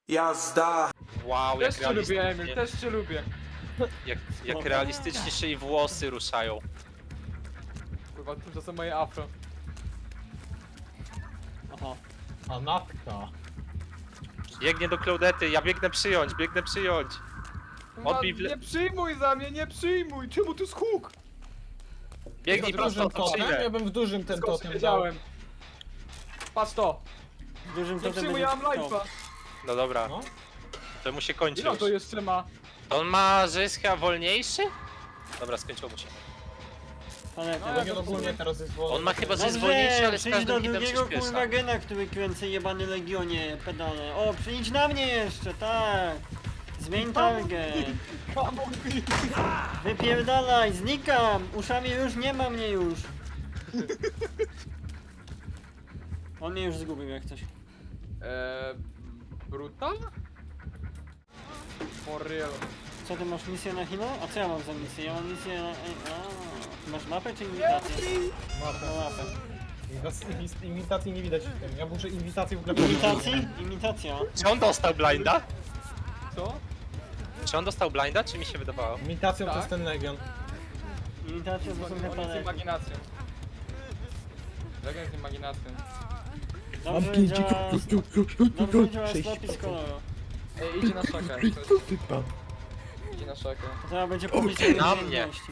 Jazda! Wow, jak Też cię lubię, Emil, realistycznie, też cię lubię. jak realistycznie się jej włosy ruszają. Kurwa, tymczasem moje afro. Aha. A natka. Biegnie do Claudety, ja biegnę przyjąć. Kurwa, Odbij w le- nie przyjmuj za mnie, nie przyjmuj! Czemu tu skóg? Biegnij W prosto, dużym to totem? przyjdę. Ja bym w dużym ten Skąd totem dał. wiedziałem? Patrz to! W dużym Nie totem przyjmuj, będzie ja mam to. life'a! No dobra, No. to mu się kończy Ile on już. to jeszcze ma? To on ma, że jest chyba wolniejszy? Dobra, skończyło mu się. Planety. No, Legion ogólnie teraz jest wolny. On ma chyba, że jest Dobrze, wolniejszy, ale z przyjdź do każdym hitem drugiego kurwa przyspiesza. gena, który kręcę jebany Legionie, pedale. O, przyjdź na mnie jeszcze, tak. Zmień target. Wypierdalaj, znikam. Uszami już nie ma mnie już. On mnie już zgubił jak coś. Brutal? For real. Co ty masz misję na Hino? A co ja mam za misję? Ja mam misję na... Ty masz mapę czy imitację? No, mapę. Imitacji nie widać w tym. Ja muszę imitację w ogóle Imitacji? Imitacja. Czy on dostał blinda? Co? Czy on dostał blinda, czy mi się wydawało? Imitacją to Tak. jest ten Legion. Imitacja to są te On jest planety. imaginacją. Legend z imaginacją. Dobrze działa... Dobrze działa slopy z koloru. Ej, idzie na szakę. Idzie na szakę. To teraz będzie pobliżej Na mnie. umiejętności.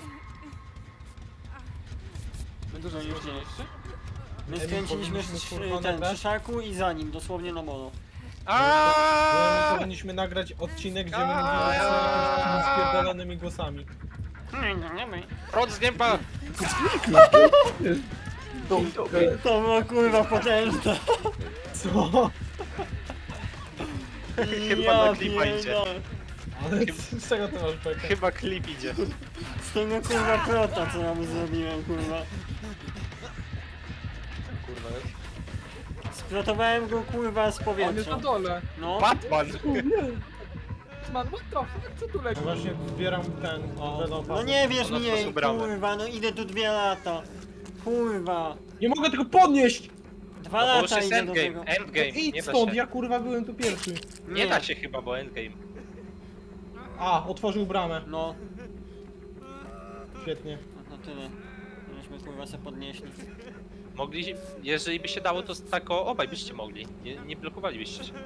My dużo No już nie. jeszcze? My Emil, skręciliśmy powinniśmy, kurwa, ten nagrać? przy szaku i za nim, dosłownie na molo. My Aaaa! powinniśmy nagrać odcinek, gdzie my mówimy z jakimiś spierdolonymi głosami. Prąd z nieba! To było kurwa potężne. Co? Chyba na klipa idzie. pierdolę. Ale z czego ty masz bekę? Chyba klip idzie. Z tego kurwa prota co ja mu zrobiłem kurwa. Kurwa jest. Sprotowałem go kurwa z On jest powietrza. na dole. No. Batman! Man, what the fuck? Co tu leci? No właśnie zbieram ten developer. No nie wierz Ona mi, otworzył bramę. kurwa, no idę tu 2 lata. Kurwa. Nie mogę tego podnieść! 2 No bo już lata jest idę do tego. endgame, endgame, nie Idź da stąd, się. ja kurwa byłem tu pierwszy. Nie da się chyba, bo endgame. A, otworzył bramę. No, Świetnie. no tyle. Żeśmy kurwa se podnieśli. Mogli, jeżeli by się dało, to tak obaj byście mogli. Nie blokowalibyście się.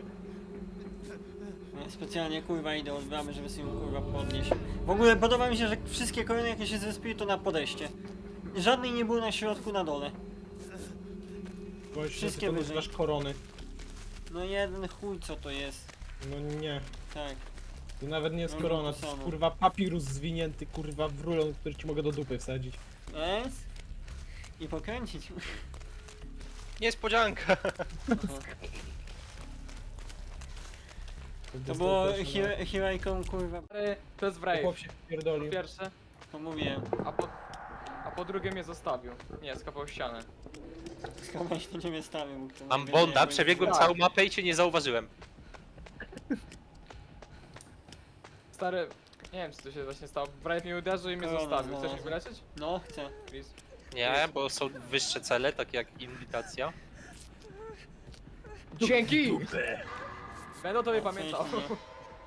Ja specjalnie kurwa idę od bramy, żeby sobie ją kurwa podnieść. W ogóle podoba mi się, że wszystkie korony jakie się zespiły to na podejście. Żadnej nie było na środku, na dole. Boś, że Wszystkie ty to wyżej. nazywasz korony. No jeden chuj co to jest. No nie. Tak. To nawet nie jest No, korona, to to jest samo. kurwa papirus zwinięty kurwa w rulon, który ci mogę do dupy wsadzić. Jest? I pokręcić. Niespodzianka! To było Hirajką kurwa. To jest To Brave. chłop się pierdolił. Pierwsze, To mówiłem. a po drugie mnie zostawił. Nie, skapał ścianę. Skąd się nie stawił. mógł to Mam mówić, Bonda, nie, przebiegłem Tak. całą mapę i cię nie zauważyłem. Stary, nie wiem co tu się właśnie stało. Brave mnie uderzył i mnie Korona zostawił. Chcesz mnie znalazłem. wyleczyć? No, chcę. Please. Nie, bo są wyższe cele, takie jak inwitacja. Dzięki! Będę o tobie O, pamiętał. w sensie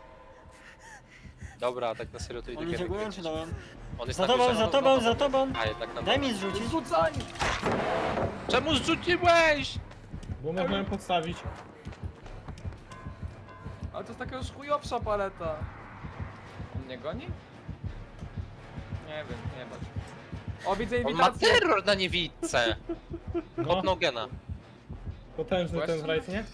Dobra, tak na serio to idę On idzie górą kręcić. czy dołem? On jest Za na tobą, górze. za tobą, za tobą! A jednak na Daj dole. mi zrzucić. Rzucaj! Czemu zrzuciłeś? Bo mogłem podstawić. Ale to jest taka już chujowsza paleta. On mnie goni? Nie wiem, nie bać. O, widzę On ma imitację! terror na niewidce! No, Kopnął gena. potężny ten Właśnie? wrajt, nie?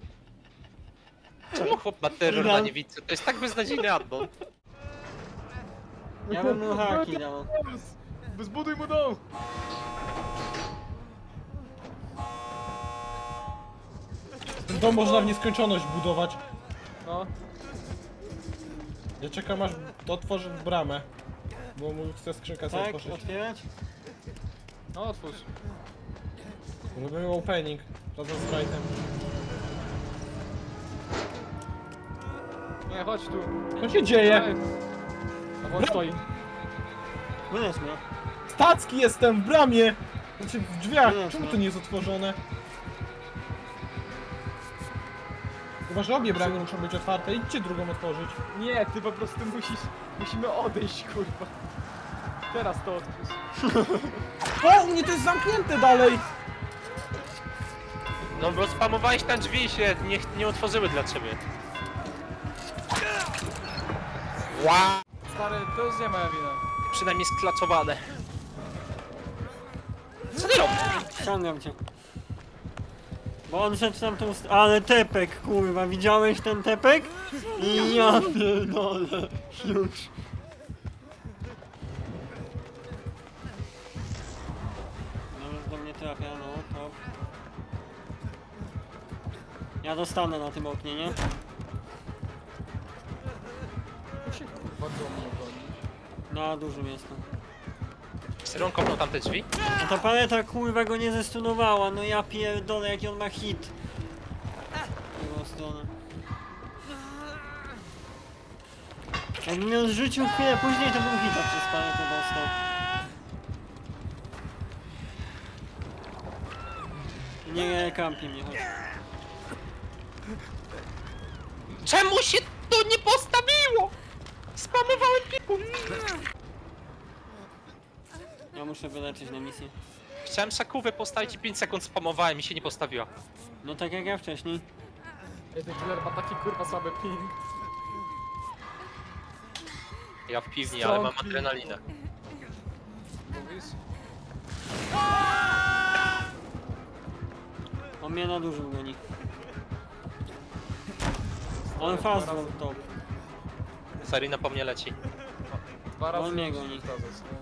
Czemu chłop ma terror na niewidce? To jest tak beznadziejny addon. Ja bym mu haki dał. Zbuduj mu dom! Ten dom można w nieskończoność budować. No, Ja czekam aż otworzy bramę. Bo mu chce skrzynka sobie Tak, otworzyć. otwierać? no otwórz. Robimy opening. Razem z wrajtem. Nie, chodź tu. Co się dzieje? Ej. No bo on stoi. Wyleź mnie. Stacki jestem w bramie! Znaczy w drzwiach. Nie, Czemu no. to nie jest otworzone? Chyba, że obie bramy muszą być otwarte, idźcie drugą otworzyć. Nie, ty po prostu musimy odejść, kurwa. Teraz to otwórz. O, u mnie to jest zamknięte dalej! No bo spamowałeś tam drzwi i się nie otworzyły dla ciebie. Wow. Stary, to już nie moja wina. Przynajmniej sklaczowane. Co ty robisz? Ściągam cię. Bo on szedł tam tą ale tepek, kurwa, widziałeś ten tepek? I ja pierdolę, już. No, do mnie trafia, no, to. Ja dostanę na tym oknie, nie? To się kurwa do mnie goni. Na dużym jestem. Syron kopnął tamte drzwi? A ta paleta, kurwa, go nie zestunowała, no ja pierdolę, jaki on ma hit. W drugą stronę. Jakbym ją zrzucił chwilę później, to bym hita przez paletę dostał. Nie kampi mnie, chodź. Czemu się to nie postawiło? Spamowałem piku. Ja muszę wyleczyć na misję. Chciałem szakówę postawić i 5 sekund spamowałem i się nie postawiła. No tak jak ja wcześniej. Ej, ten killer ma taki kurwa słaby ping. Ja w piwni, ale mam Strong adrenalinę. Mówisz? On mnie na dużym goni. On fast Dwa był razy- top. Sarina po mnie leci. Dwa razy On mnie musisz goni. powtarzać, nie?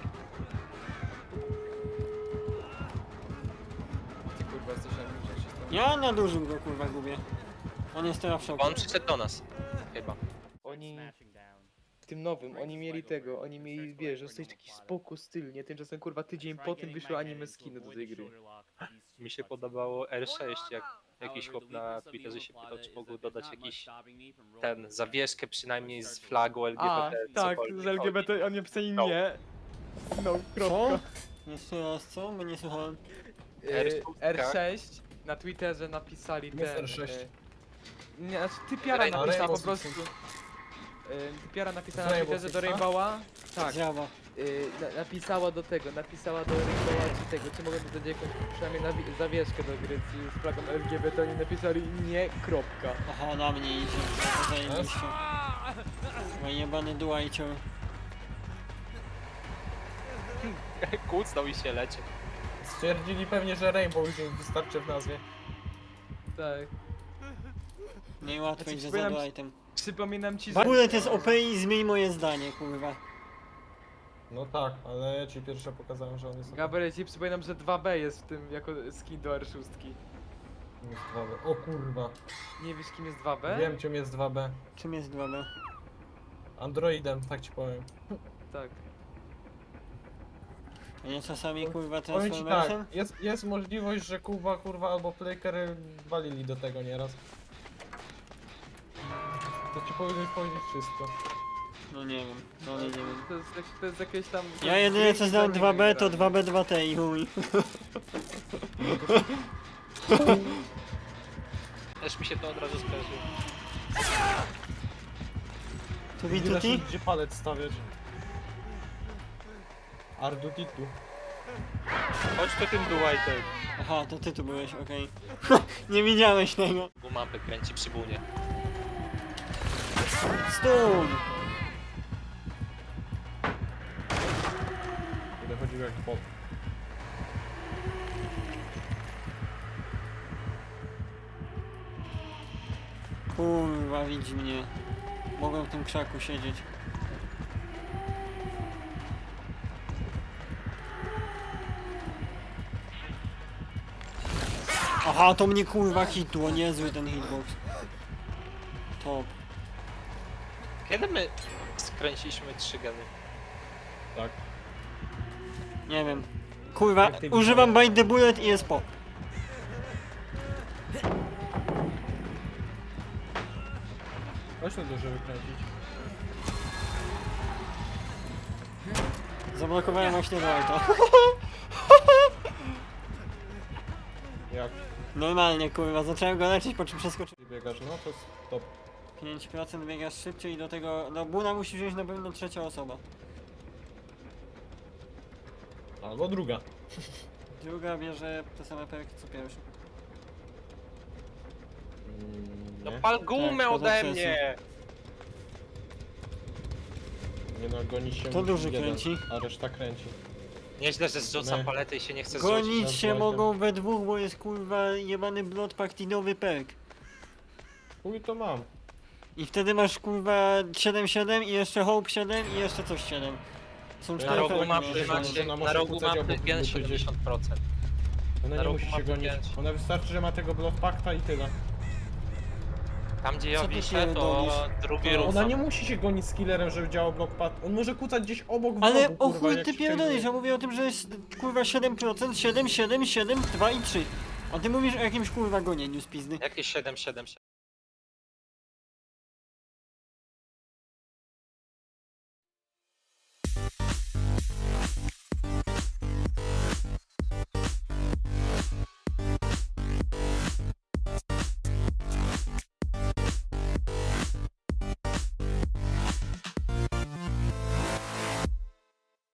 Ty kurwa jesteś jak się tam... Ja na dużym go kurwa gubię. On jest teraz w szoku. Bo on przyszedł do nas. Chyba. Oni w tym nowym, oni mieli tego, oni mieli, wiesz, dostać taki spoko styl, nie? Tymczasem kurwa tydzień po tym wyszły anime skiny do tej gry. Mi się podobało R6, jak jakiś chłop na Twitterze się pytał, czy mógł dodać jakiś ten zawieszkę przynajmniej z flagą LGBT. A, tak, cokolwiek. z LGBT, oni napisali No. nie. No, Co? kropka. Jeszcze raz co? Bo nie słuchałem. R6 na Twitterze napisali ten... Mr. 6. Nie, znaczy typiara Rainbow napisała po Six. prostu... Typiara napisała Z na Rainbow Twitterze do Sixa? Rainbowa. Tak. Zjawa. Napisała do tego, napisała do Rainbowa czy tego, czy mogę dodać jakąś przynajmniej zawieszkę do gry z flagą LGBT, oni napisali nie, kropka. Aha, na mnie idzie. To zajebiście. Chyba jebany duajcior. Kłócnął i się leci. Stwierdzili pewnie, że Rainbow już im wystarczy w nazwie. Tak. Najłatwiej, Znaczy, że za przypominam- duajtem. Przypominam ci, W że... ogóle to jest OP i zmień moje zdanie, kurwa. No tak, ale ja ci pierwsze pokazałem, że on jest... Gabriel, ci przypominam, że 2B jest w tym jako skin do R6. Jest 2B. O kurwa. Nie wiesz kim jest 2B? Wiem czym jest 2B. Czym jest 2B? Androidem, tak ci powiem. Tak. A nie czasami kurwa Powiem ci Transformersem? tak, jest możliwość, że kurwa albo Playker walili do tego nieraz. To ci powinien powiedzieć wszystko. No nie wiem, no nie wiem. To jest jakieś tam... Ja jedynie co znam 2B to 2B2T i chuj. Też mi się to od razu skojarzyło. Tu Nie da się tuti? gdzie palec stawiać. Ardutitu. Chodź to tym duajtem. Aha, to ty tu byłeś, okej. Nie widziałeś tego. Gumampy kręci przy bunie. Stun! Będę chodził jak bot. Kurwa, widzi mnie. Mogłem w tym krzaku siedzieć. Aha, to mnie kurwa hitło, niezły ten hitbox. Top. Kiedy my skręciliśmy 3 geny? Tak. Nie wiem. Kurwa, Jak ty używam Bite the Bullet i jest po. Chodź tu dużo wykręcić. Zablokowałem właśnie White'a. Jak? Normalnie kurwa, zacząłem go leczyć, po czym przeskoczyłem. Biegasz, no to stop. 5% biegasz szybciej i do tego, no Buna musi wziąć na pewno trzecia osoba. Albo druga. Druga bierze te same perki co pierwsza. No Nie, pal gumę Tak, ode poza mnie! nie no, gonić się To musi duży jeden, kręci. a reszta kręci. Nieźle, że zrzuca Nie. paletę i się nie chce zrzucić. Gonić się właśnie. mogą we dwóch, bo jest kurwa jebany blood partinowy perk. Chuj to mam. I wtedy masz kurwa 7-7 i jeszcze hope 7 i jeszcze coś 7. Są Na Na 4 rogu perki perki. masz, mapy że macie, ona na może rogu kucać mapy obok gen grupy gdzieś. 70%. Ona Na nie rogu musi się mapy gonić. pięć. Ona wystarczy, że ma tego Bloodpacta i tyle. Tam gdzie ja Co ty wiszę, pierdolisz? to drugi To ruch. Ona nie musi się gonić z killerem, żeby działał Bloodpact. On może kucać gdzieś obok w Ale rogu, o kurwa, chuj jak ty się pierdolisz, przejmuje. ja mówię o tym, że jest kurwa 7%, 7, 7, 7, 2 i 3. A ty mówisz o jakimś kurwa gonieniu z pizdy. Jakieś 7, 7, 7.